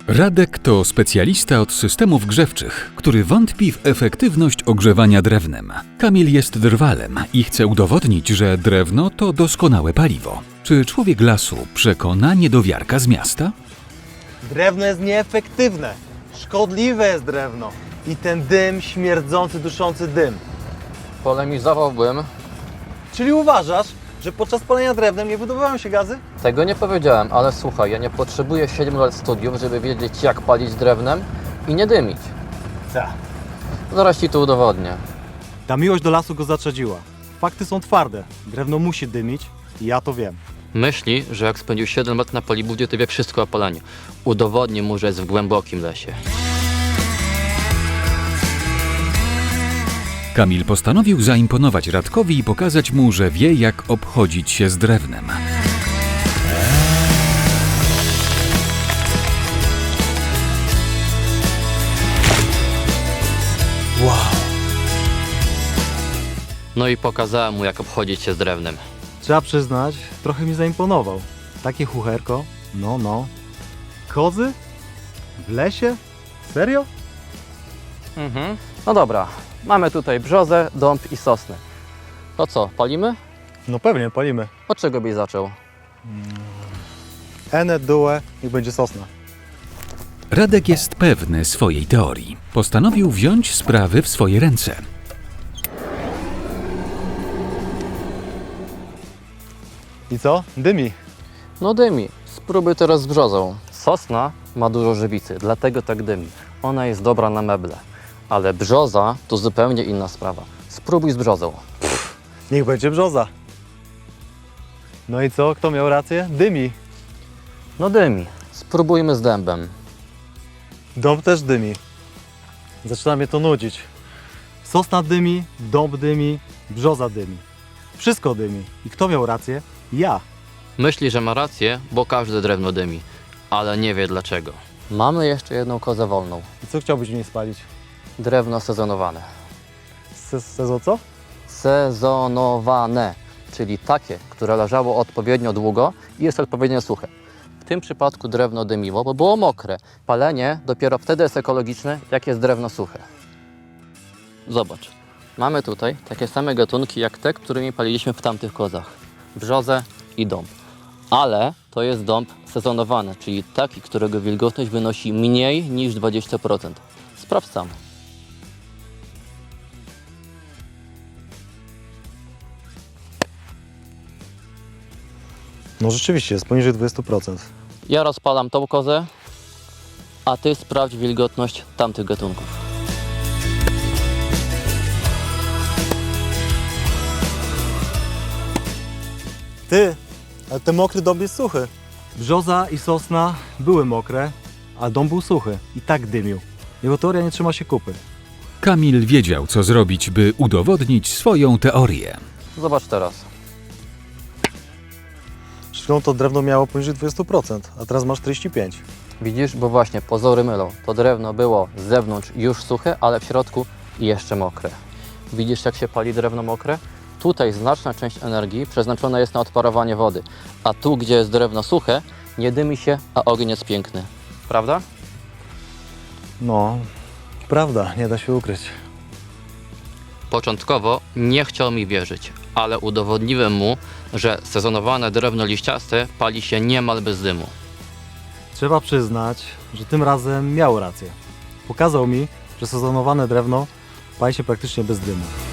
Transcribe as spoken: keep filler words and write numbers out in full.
Radek to specjalista od systemów grzewczych, który wątpi w efektywność ogrzewania drewnem. Kamil jest drwalem i chce udowodnić, że drewno to doskonałe paliwo. Czy człowiek lasu przekona niedowiarka z miasta? Drewno jest nieefektywne. Szkodliwe jest drewno. I ten dym, śmierdzący, duszący dym. Polemizowałbym. Czyli uważasz, że podczas palenia drewnem nie wydobywają się gazy? Tego nie powiedziałem, ale słuchaj, ja nie potrzebuję siedmiu lat studiów, żeby wiedzieć, jak palić drewnem i nie dymić. Co? Zaraz ci to udowodnię. Ta miłość do lasu go zaczadziła. Fakty są twarde. Drewno musi dymić i ja to wiem. Myśli, że jak spędził siedem lat na Polibudzie, to wie wszystko o paleniu. Udowodnię mu, że jest w głębokim lesie. Kamil postanowił zaimponować Radkowi i pokazać mu, że wie, jak obchodzić się z drewnem. Wow. No i pokazałem mu, jak obchodzić się z drewnem. Trzeba przyznać, trochę mi zaimponował. Takie chucherko. No, no. Kozy? W lesie? Serio? Mhm. No dobra, mamy tutaj brzozę, dąb i sosnę. To co, palimy? No pewnie, palimy. Od czego byś zaczął? Ene, due, niech będzie sosna. Radek jest pewny swojej teorii. Postanowił wziąć sprawy w swoje ręce. I co? Dymi. No dymi. Spróbuj teraz z brzozą. Sosna ma dużo żywicy, dlatego tak dymi. Ona jest dobra na meble. Ale brzoza to zupełnie inna sprawa. Spróbuj z brzozą. Niech będzie brzoza. No i co? Kto miał rację? Dymi. No dymi. Spróbujmy z dębem. Dąb też dymi. Zaczyna mnie to nudzić. Sosna dymi, dąb dymi, brzoza dymi. Wszystko dymi. I kto miał rację? Ja. Myśli, że ma rację, bo każde drewno dymi. Ale nie wie dlaczego. Mamy jeszcze jedną kozę wolną. I co chciałbyś w niej spalić? Drewno sezonowane. Se sezo co? Sezonowane, czyli takie, które leżało odpowiednio długo i jest odpowiednio suche. W tym przypadku drewno dymiło, bo było mokre. Palenie dopiero wtedy jest ekologiczne, jak jest drewno suche. Zobacz, mamy tutaj takie same gatunki jak te, którymi paliliśmy w tamtych kozach. Brzozę i dąb. Ale to jest dąb sezonowany, czyli taki, którego wilgotność wynosi mniej niż dwadzieścia procent. Sprawdź sam. No rzeczywiście, jest poniżej dwudziestu procent. Ja rozpalam tą kozę, a ty sprawdź wilgotność tamtych gatunków. Ty, ale ten mokry dąb jest suchy. Brzoza i sosna były mokre, a dąb był suchy i tak dymił. Jego teoria nie trzyma się kupy. Kamil wiedział, co zrobić, by udowodnić swoją teorię. Zobacz teraz. Przed chwilą to drewno miało poniżej dwudziestu procent, a teraz masz czterdzieści pięć procent. Widzisz, bo właśnie pozory mylą. To drewno było z zewnątrz już suche, ale w środku jeszcze mokre. Widzisz, jak się pali drewno mokre? Tutaj znaczna część energii przeznaczona jest na odparowanie wody, a tu, gdzie jest drewno suche, nie dymi się, a ogień jest piękny. Prawda? No, prawda, nie da się ukryć. Początkowo nie chciał mi wierzyć, ale udowodniłem mu, że sezonowane drewno liściaste pali się niemal bez dymu. Trzeba przyznać, że tym razem miał rację. Pokazał mi, że sezonowane drewno pali się praktycznie bez dymu.